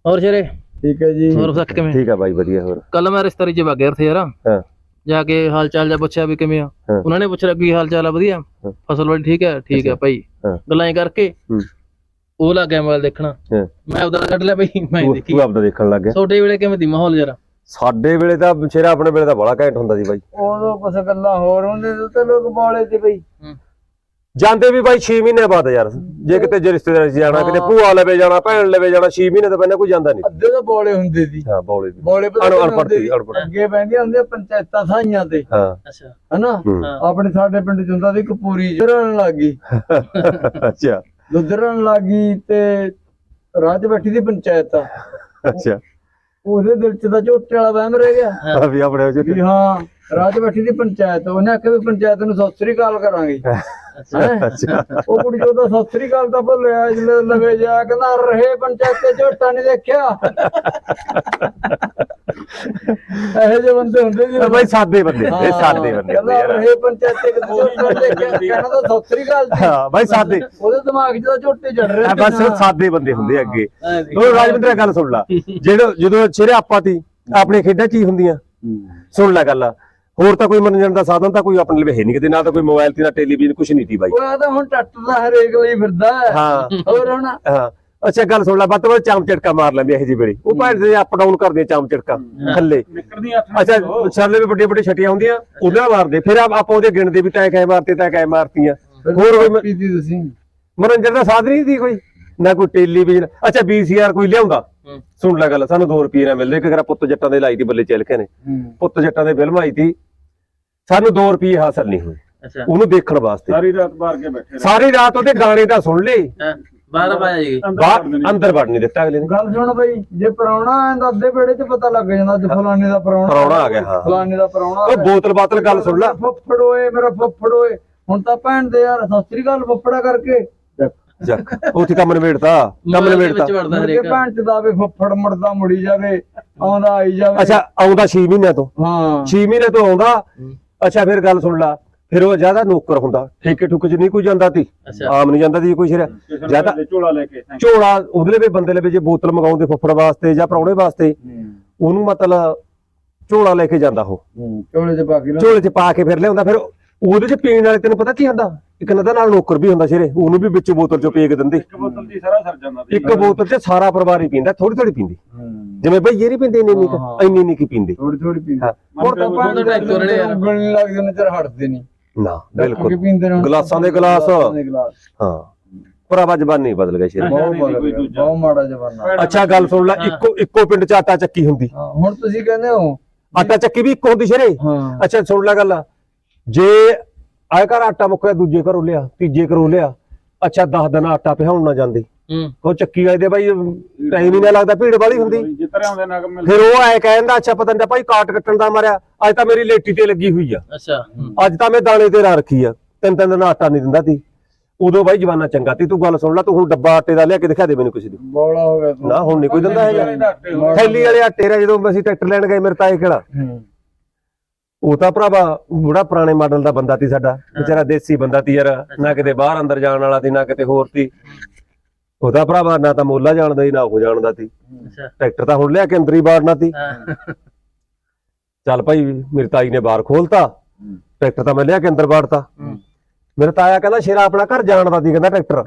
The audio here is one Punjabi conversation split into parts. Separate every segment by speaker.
Speaker 1: ਹੋਰ ਸ਼ੇਰੇ
Speaker 2: ਠੀਕ ਹੈ ਜੀ।
Speaker 1: ਹੋਰ ਸੱਚ ਕਿਵੇਂ?
Speaker 3: ਠੀਕ ਆ ਬਾਈ ਵਧੀਆ। ਹੋਰ
Speaker 1: ਕੱਲ ਮੈਂ ਰਿਸ਼ਤੇਦਾਰੀ 'ਚ ਵਗ ਗਿਆ ਉੱਥੇ ਯਾਰ।
Speaker 3: ਹਾਂ
Speaker 1: ਜਾ ਕੇ ਹਾਲ ਚਾਲ ਜਾ ਪੁੱਛਿਆ ਵੀ ਕਿਵੇਂ ਆ। ਉਹਨਾਂ ਨੇ ਪੁੱਛਿਆ ਕੀ ਹਾਲ ਚਾਲ ਆ, ਵਧੀਆ ਫਸਲ ਵਾਲੀ ਠੀਕ ਹੈ ਭਾਈ। ਗੱਲਾਂ ਹੀ ਕਰਕੇ ਉਹ ਲੱਗ ਗਿਆ ਮੋਬਾਈਲ ਦੇਖਣਾ। ਮੈਂ ਉਹਦਾ ਕੱਢ ਲਿਆ ਬਈ, ਮੈਂ ਦੇਖੀ।
Speaker 3: ਤੂੰ ਆਪਦਾ ਦੇਖਣ ਲੱਗ ਗਿਆ।
Speaker 1: ਛੋਟੇ ਵੇਲੇ ਕਿਵੇਂ ਦੀ ਮਾਹੌਲ ਯਾਰ?
Speaker 3: ਸਾਡੇ ਵੇਲੇ ਤਾਂ ਸ਼ੇਰਾ ਆਪਣੇ ਵੇਲੇ ਤਾਂ ਬੜਾ ਘੈਂਟ ਹੁੰਦਾ ਸੀ ਬਾਈ।
Speaker 2: ਉਦੋਂ ਕੁਛ ਗੱਲਾਂ ਹੋਰ ਹੁੰਦੇ ਤੇ ਲੋਕ ਬੋਲੇ ਤੇ ਬਈ
Speaker 3: ਜਾਂਦੇ ਵੀ ਬਾਈ 6 ਮਹੀਨੇ ਬਾਅਦ ਯਾਰ। ਜੇ ਕਿਤੇ ਜੇ ਰਿਸ਼ਤੇਦਾਰੀ 'ਚ ਜਾਣਾ, ਕਿਤੇ ਭੂਆ ਲਵੇ ਜਾਣਾ, ਭੈਣ ਲਵੇ ਜਾਣਾ, 6 ਮਹੀਨੇ ਤੋਂ ਪਹਿਲਾਂ ਕੋਈ ਜਾਂਦਾ ਨਹੀਂ।
Speaker 2: ਅੱਧੇ ਤਾਂ ਬੋਲੇ ਹੁੰਦੇ ਸੀ।
Speaker 3: ਹਾਂ ਬੋਲੇ
Speaker 2: ਅਨਪੜ੍ਹ ਅੱਗੇ ਬੈਂਦੀਆਂ ਹੁੰਦੀਆਂ ਪੰਚਾਇਤਾਂ ਸਾਈਆਂ ਤੇ।
Speaker 3: ਹਾਂ
Speaker 1: ਅੱਛਾ
Speaker 2: ਹਨਾ ਆਪਣੇ ਸਾਡੇ ਪਿੰਡ 'ਚ ਹੁੰਦਾ ਸੀ ਕਪੂਰੀ ਜਰਨ ਲੱਗੀ।
Speaker 3: ਅੱਛਾ
Speaker 2: ਲੁੱਧਰਨ ਲੱਗੀ ਤੇ ਰਾਹ 'ਚ ਬੈਠੀ ਸੀ ਪੰਚਾਇਤ।
Speaker 3: ਅੱਛਾ
Speaker 2: ਉਹਦੇ ਦਿਲ 'ਚ ਤਾਂ ਝੋਟੇ ਵਾਲਾ ਵਹਿਮ ਰਹਿ ਗਿਆ
Speaker 3: ਵੀ ਆਪਣੇ
Speaker 2: ਵੀ ਹਾਂ ਰਾਹ 'ਚ ਬੈਠੀ ਸੀ ਪੰਚਾਇਤ। ਉਹਨੇ ਆਖਿਆ ਵੀ ਪੰਚਾਇਤ ਨੂੰ ਸਤਿ ਸ੍ਰੀ ਅਕਾਲ ਕਰਾਂਗੇ।
Speaker 3: ਅੱਛਾ
Speaker 2: ਉਹ ਕੁੜੀ ਉਹਦਾ ਸਤਿ ਸ੍ਰੀ ਅਕਾਲ ਤਾਂ ਭੁੱਲਿਆ। ਜਿਹੜੇ ਲਵੇ ਜਾ ਕਹਿੰਦਾ ਰਹੇ ਪੰਚਾਇਤ ਤੇ ਝੋਟਾ ਨਹੀਂ ਦੇਖਿਆ। ਇਹੋ ਜਿਹੇ ਬੰਦੇ ਹੁੰਦੇ ਜੀ
Speaker 3: ਬਾਈ, ਸਾਦੇ ਬੰਦੇ, ਇਹ ਸਾਦੇ ਬੰਦੇ
Speaker 2: ਕਹਿੰਦਾ ਰਹੇ ਪੰਚਾਇਤ ਤੇ ਝੋਟਾ ਨਹੀਂ ਦੇਖਿਆ। ਕਹਿੰਦਾ ਤਾਂ ਸਤਿ ਸ੍ਰੀ ਅਕਾਲ ਜੀ।
Speaker 3: ਹਾਂ ਬਾਈ ਸਾਦੇ।
Speaker 2: ਉਹਦੇ ਦਿਮਾਗ 'ਚ ਤਾਂ ਝੋਟੇ ਚੜ ਰਹੇ।
Speaker 3: ਬਸ ਸਾਦੇ ਬੰਦੇ ਹੁੰਦੇ ਅੱਗੇ। ਉਹ ਰਾਜਵਿੰਦਰ ਗੱਲ ਸੁਣ ਲਾ। ਜਦੋਂ ਸ਼ੇਰੇ ਆਪਾਂ ਤੀ ਆਪਣੀਆਂ ਖੇਡਾਂ ਕੀ ਹੁੰਦੀਆਂ, ਸੁਣ ਲੈ ਗੱਲ। ਹੋਰ ਤਾਂ ਕੋਈ ਮਨੋਰੰਜਨ ਦਾ ਸਾਧਨ ਤਾਂ ਕੋਈ ਆਪਣੇ ਲਈ ਹੈ ਨਹੀਂ ਕਿਤੇ, ਨਾ ਤਾਂ ਕੋਈ ਮੋਬਾਈਲ ਤੇ ਨਾ ਟੈਲੀਵਿਜ਼ਨ, ਕੁਛ ਨਹੀਂ ਤੀ ਬਾਈ।
Speaker 2: ਉਹ ਤਾਂ ਹੁਣ ਟੱਟ ਦਾ ਹਰੇਕ ਲਈ ਫਿਰਦਾ।
Speaker 3: ਹਾਂ
Speaker 2: ਹੋਰ ਹੁਣ
Speaker 3: ਹਾਂ ਅੱਛਾ ਗੱਲ ਸੁਣ ਲੈ। ਵੱਧ ਤੋਂ ਵੱਧ ਚਾਮ ਝਟਕਾ ਮਾਰ ਲੈਂਦੇ ਇਹੋ ਜਿਹੀ ਵੇਲੇ। ਉਹ ਭਾਵੇਂ ਦੇ ਅਪ ਡਾਊਨ ਕਰਦੇ ਚਾਮ ਝਟਕਾ ਥੱਲੇ। ਅੱਛਾ ਛਾਲੇ ਵੀ ਵੱਡੀਆਂ ਵੱਡੀਆਂ ਛਟੀਆਂ ਹੁੰਦੀਆਂ, ਉਹਨਾਂ ਮਾਰਦੇ। ਫਿਰ ਆਪਾਂ ਉਹਦੇ ਗਿਣਦੇ ਵੀ ਤੈ ਕੈ ਮਾਰਤੇ, ਤੈ ਕੈ ਮਾਰਤੀਆਂ। ਹੋਰ ਕੋਈ
Speaker 2: ਤੁਸੀਂ
Speaker 3: ਮਨੋਰੰਜਨ ਦਾ ਸਾਧਨ ਨਹੀਂ ਸੀ ਕੋਈ, ਨਾ ਕੋਈ ਟੈਲੀਵਿਜ਼ਨ। ਅੱਛਾ VCR ਕੋਈ ਲਿਆਉਂਦਾ, ਸੁਣ ਲੈ ਗੱਲ, ਸਾਨੂੰ 2 ਰੁਪਏ ਨਾ ਮਿਲਦੇ। ਇੱਕ ਵਾਰ ਪੁੱਤ ਜੱਟਾਂ ਦੇ ਲਾਈ ਤੀ ਬੱਲੇ ਚਿਲਕੇ ਨੇ, ਪੁੱਤ ਜੱਟਾਂ ਦੇ ਫਿਲਮ ਆਈ ਤੀ, ਸਾਨੂੰ 2 ਰੁਪਏ ਹਾਸਲ ਨਹੀਂ ਹੋਏ ਉਹਨੂੰ ਦੇਖਣ ਵਾਸਤੇ।
Speaker 2: ਸਾਰੀ ਰਾਤ ਬਾਹਰ ਕੇ ਬੈਠੇ,
Speaker 3: ਸਾਰੀ ਰਾਤ ਉਹਦੇ ਗਾਣੇ ਤਾਂ ਸੁਣ ਲਏ,
Speaker 1: 12 ਵਜੇ ਜੀ
Speaker 3: ਅੰਦਰ ਵੜ ਨਹੀਂ ਦਿੱਤਾ ਅਗਲੇ ਨੇ।
Speaker 2: ਗੱਲ ਸੁਣ ਬਈ, ਜੇ ਪ੍ਰਾਹੁਣਾ ਆਂਦਾ ਅੱਧੇ ਵੇੜੇ 'ਚ ਪਤਾ ਲੱਗ ਜਾਂਦਾ ਅੱਜ ਫਲਾਣੇ ਦਾ ਪ੍ਰਾਹੁਣਾ
Speaker 3: ਆ ਗਿਆ। ਹਾਂ
Speaker 2: ਫਲਾਣੇ ਦਾ ਪ੍ਰਾਹੁਣਾ।
Speaker 3: ਉਹ ਬੋਤਲ ਬਾਤਲ ਗੱਲ ਸੁਣ ਲੈ।
Speaker 2: ਫੁੱਫੜ ਓਏ ਮੇਰਾ ਫੁੱਫੜ ਓਏ। ਹੁਣ ਤਾਂ ਭੈਣ ਦੇ ਯਾਰ ਸਤਿ ਸ੍ਰੀ ਅਕਾਲ ਫੁੱਫੜਾ ਕਰਕੇ
Speaker 3: ਜੱਕ ਉੱਥੇ ਕੰਮ ਨਿਬੇੜਤਾ, ਕੰਮ ਨਿਬੇੜਤਾ।
Speaker 2: ਭੈਣ ਚ ਦਾ ਵੀ ਫੁੱਫੜ ਮੁੜਦਾ ਮੁੜੀ ਜਾਵੇ, ਆਉਂਦਾ ਆਈ ਜਾਵੇ।
Speaker 3: ਅੱਛਾ ਆਉਂਦਾ 6 ਮਹੀਨਿਆਂ ਤੋਂ।
Speaker 2: ਹਾਂ
Speaker 3: 6 ਮਹੀਨੇ ਤੋਂ ਆਉਂਦਾ। ਅੱਛਾ ਫਿਰ ਗੱਲ ਸੁਣ ਲਾ, ਫਿਰ ਉਹ ਜਿਆਦਾ ਨੌਕਰ ਹੁੰਦਾ, ਠੇਕੇ ਠੁਕੇ 'ਚ ਨਹੀਂ ਕੋਈ ਜਾਂਦਾ ਤੀ, ਆਮ ਨਹੀਂ ਜਾਂਦਾ ਤੀ ਕੋਈ ਸ਼ੇਰਾ। ਜਿਆਦਾ ਝੋਲਾ ਲੈ ਕੇ, ਝੋਲਾ ਉਹਦੇ ਲਈ ਬੰਦੇ ਲਈ ਜੇ ਬੋਤਲ ਮੰਗਾਉਂਦੇ ਫੁੱਫੜ ਵਾਸਤੇ ਜਾਂ ਪ੍ਰਾਹੁਣੇ ਵਾਸਤੇ, ਉਹਨੂੰ ਮਤਲਬ ਝੋਲਾ ਲੈ ਕੇ ਜਾਂਦਾ। ਉਹ ਝੋਲੇ 'ਚ ਪਾ ਕੇ ਫਿਰ ਲਿਆਉਂਦਾ। ਫਿਰ ਉਹਦੇ 'ਚ ਪੀਣ ਵਾਲੇ ਤੈਨੂੰ ਪਤਾ ਕੀ ਹੁੰਦਾ, ਇੱਕ ਨਦਾ ਨਾਲ ਨੌਕਰ ਵੀ ਹੁੰਦਾ ਸ਼ੇਰੇ, ਉਹਨੂੰ ਵੀ ਵਿੱਚ ਬੋਤਲ 'ਚੋਂ ਪੀ ਕੇ ਦਿੰਦੇ। ਇੱਕ ਬੋਤਲ 'ਚ ਸਾਰਾ ਸਰ ਜਾਂਦਾ, ਇੱਕ ਬੋਤਲ 'ਚ ਸਾਰਾ ਪਰਿਵਾਰ ਹੀ ਪੀਂਦਾ, ਥੋੜੀ ਥੋੜੀ ਪੀਂਦੀ। ਜਿਵੇਂ ਬਈ ਇਹ ਨਹੀਂ ਪੀਂਦੇ ਇੰਨੀ ਨਹੀਂ ਕੀ ਪੀਂਦੇ,
Speaker 2: ਥੋੜੀ ਥੋੜੀ ਪੀਂਦੇ। ਹੁਣ ਤਾਂ ਪਾਣੀ ਦਾ ਉਂਗਲ ਨਹੀਂ ਲੱਗਦੇ ਨਜ਼ਰ ਹਟਦੇ ਨਹੀਂ
Speaker 3: ਨਾ, ਬਿਲਕੁਲ ਗਲਾਸਾਂ ਦੇ ਗਲਾਸ। ਹਾਂ ਭਰਾਵਾ ਜ਼ਬਾਨੀ ਬਦਲ ਗਈ ਸ਼ੇਰ,
Speaker 2: ਬਹੁਤ ਮਾੜਾ ਜ਼ਮਾਨਾ।
Speaker 3: ਅੱਛਾ ਗੱਲ ਸੁਣ ਲੈ, ਇੱਕੋ ਪਿੰਡ 'ਚ ਆਟਾ ਚੱਕੀ ਹੁੰਦੀ।
Speaker 2: ਹੁਣ ਤੁਸੀਂ ਕਹਿੰਦੇ ਹੋ
Speaker 3: ਆਟਾ ਚੱਕੀ ਵੀ ਇੱਕ ਹੁੰਦੀ ਸ਼ੇਰੇ। ਅੱਛਾ ਸੁਣ ਲੈ ਗੱਲ, ਜੇ ਆਏ ਘਰ ਆਟਾ ਮੁੱਕਿਆ ਦੂਜੇ ਘਰੋਂ ਲਿਆ, ਤੀਜੇ ਘਰੋਂ ਲਿਆ। ਅੱਛਾ 10 ਦਿਨ ਆਟਾ ਪਿਹਾਉਣ ਨਾ ਜਾਂਦੇ, ਉਹ ਚੱਕੀ ਵਾਲੇ ਦੇ ਬਾਈ ਟਾਈਮ ਹੀ ਨਾ ਲੱਗਦਾ, ਭੀੜ ਵਾਲੀ ਹੁੰਦੀ। ਫਿਰ ਉਹ ਆਏ ਕਹਿੰਦਾ ਅੱਛਾ ਪਤਾ ਨਹੀਂ ਭਾਈ ਕਾਟ ਕੱਟਣ ਦਾ ਮਾਰਿਆ, ਅੱਜ ਤਾਂ ਮੇਰੀ ਲੇਟੀ ਤੇ ਲੱਗੀ ਹੋਈ ਆ, ਅੱਜ ਤਾਂ ਮੈਂ ਦਾਣੇ ਤੇ ਰਾ ਰੱਖੀ ਆ, 3 ਦਿਨ ਆਟਾ ਨਹੀਂ ਦਿੰਦਾ ਤੀ। ਉਦੋਂ ਬਾਈ ਜਵਾਨਾ ਚੰਗਾ ਤੀ। ਤੂੰ ਗੱਲ ਸੁਣ ਲੈ, ਤੂੰ ਹੁਣ ਡੱਬਾ ਆਟੇ ਦਾ ਲਿਆ ਕੇ ਦਿਖਾ ਦੇ ਮੈਨੂੰ ਕਿਸੇ ਦੀ।
Speaker 2: ਬੋਲਾ ਹੋ ਗਿਆ
Speaker 3: ਨਾ ਹੁਣ ਨਹੀਂ ਕੋਈ ਦਿੰਦਾ ਹੈਗਾ। ਥੈਲੀ ਵਾਲੇ ਆਟੇ ਦਾ ਜਦੋਂ ਅਸੀਂ ਟਰੈਕਟਰ ਲੈਣ ਗਏ ਮੇਰੇ ਤਾਏ ਕਿਹੜਾ, ਉਹ ਤਾਂ ਭਰਾਵਾ ਬੜਾ ਪੁਰਾਣੇ ਮਾਡਲ ਦਾ ਬੰਦਾ ਤੀ ਸਾਡਾ, ਵਿਚਾਰਾ ਦੇਸੀ ਬੰਦਾ ਤੀ ਯਾਰ, ਨਾ ਕਿਤੇ ਬਾਹਰ ਅੰਦਰ ਜਾਣ ਵਾਲਾ ਤੀ, ਨਾ ਕਿਤੇ ਹੋਰ ਤੀ। ਉਹਦਾ ਭਰਾਵਾ ਨਾ ਤਾਂ ਮੋਲਾ ਜਾਣਦਾ ਸੀ, ਨਾ ਉਹ ਜਾਣਦਾ ਤੀ। ਟਰੈਕਟਰ ਤਾਂ ਹੁਣ ਲਿਆ ਕੇ ਅੰਦਰ ਹੀ ਬਾੜਨਾ ਤੀ। ਚੱਲ ਭਾਈ ਮੇਰੀ ਤਾਈ ਨੇ ਬਾਹਰ ਖੋਲਤਾ, ਟਰੈਕਟਰ ਤਾਂ ਮੈਂ ਲਿਆ ਕੇ ਅੰਦਰ ਬਾੜਤਾ। ਮੇਰਾ ਤਾਇਆ ਕਹਿੰਦਾ ਸ਼ੇਰਾ ਆਪਣਾ ਘਰ ਜਾਣਦਾ ਤੀ, ਕਹਿੰਦਾ ਟਰੈਕਟਰ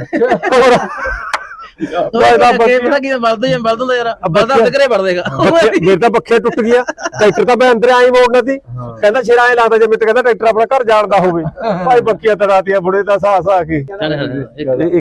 Speaker 3: ਮੇਰੇ ਤਾਂ ਪੱਖੇ ਟੁੱਟ ਗਿਆ, ਟਰੈਕਟਰ ਤਾਂ ਮੈਂ ਅੰਦਰ ਆਈ ਮੋੜਨਾ ਸੀ। ਕਹਿੰਦਾ ਸ਼ੇਰਾ ਐ ਲੱਗਦਾ ਜਿਵੇਂ ਕਹਿੰਦਾ ਟਰੈਕਟਰ ਆਪਣਾ ਘਰ ਜਾਣਦਾ ਹੋਵੇ। ਭਾਈ ਬੱਕੀਆਂ ਤੜਾਤੀਆਂ ਬੁੜੇ ਦਾ ਸਾਹ ਕੇ।